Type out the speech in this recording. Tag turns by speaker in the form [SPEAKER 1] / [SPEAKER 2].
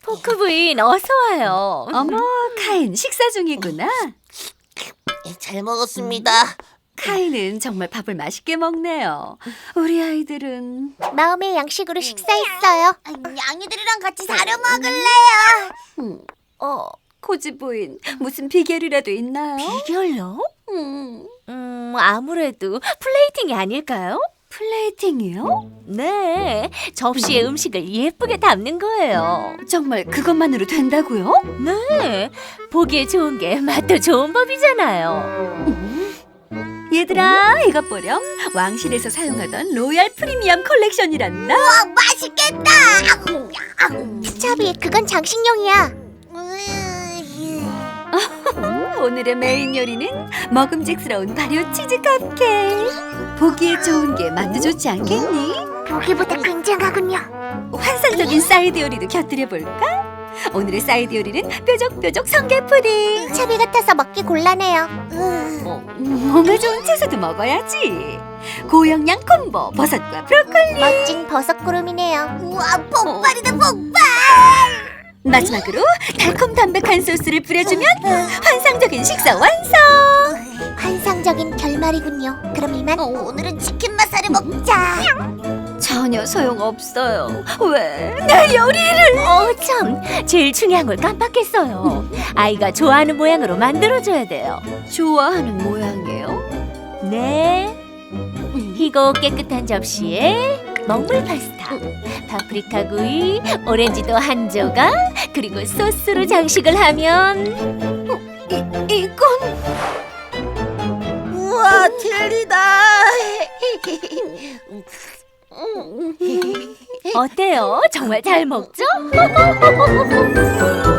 [SPEAKER 1] 포크 부인 어서 와요.
[SPEAKER 2] 어머, 카인 식사 중이구나.
[SPEAKER 3] 잘 먹었습니다.
[SPEAKER 2] 카인은 정말 밥을 맛있게 먹네요. 우리 아이들은
[SPEAKER 4] 마음의 양식으로 식사했어요. 양이들이랑 같이 사료 먹을래요.
[SPEAKER 2] 코지 부인 무슨 비결이라도 있나요?
[SPEAKER 1] 비결요?
[SPEAKER 2] 음,
[SPEAKER 1] 아무래도 플레이팅이 아닐까요?
[SPEAKER 2] 플레이팅이요?
[SPEAKER 1] 네, 접시에 음식을 예쁘게 담는 거예요.
[SPEAKER 2] 정말 그것만으로 된다고요?
[SPEAKER 1] 네, 보기에 좋은 게 맛도 좋은 법이잖아요.
[SPEAKER 2] 얘들아, 이것 보렴. 왕실에서 사용하던 로얄 프리미엄 컬렉션이란다.
[SPEAKER 4] 맛있겠다. 차비, 그건 장식용이야.
[SPEAKER 2] 오늘의 메인 요리는 먹음직스러운 발효 치즈 컵케이크. 보기에 좋은 게 맛도 좋지 않겠니?
[SPEAKER 4] 보기보다 굉장하군요.
[SPEAKER 2] 환상적인 사이드 요리도 곁들여 볼까? 오늘의 사이드 요리는 뾰족뾰족 성게 푸딩.
[SPEAKER 4] 차비 같아서 먹기 곤란해요.
[SPEAKER 2] 몸에 좋은 채소도 먹어야지. 고영양 콤보 버섯과 브로콜리.
[SPEAKER 4] 멋진 버섯구름이네요. 우와, 폭발이다, 폭발!
[SPEAKER 2] 마지막으로 달콤 담백한 소스를 뿌려주면 환상적인 식사 완성.
[SPEAKER 4] 환상적인 결말이군요. 그럼 이만 오늘은 치킨 맛살을 먹자.
[SPEAKER 2] 전혀 소용없어요. 왜 내 요리를?
[SPEAKER 1] 참, 제일 중요한 걸 깜빡했어요. 아이가 좋아하는 모양으로 만들어줘야 돼요.
[SPEAKER 2] 좋아하는 모양이에요?
[SPEAKER 1] 네, 희고 깨끗한 접시에 먹물 파스타, 파프리카 구이, 오렌지도 한 조각, 그리고 소스로 장식을 하면
[SPEAKER 2] 이건
[SPEAKER 3] 우와, 젤리다.
[SPEAKER 1] 어때요? 정말 잘 먹죠?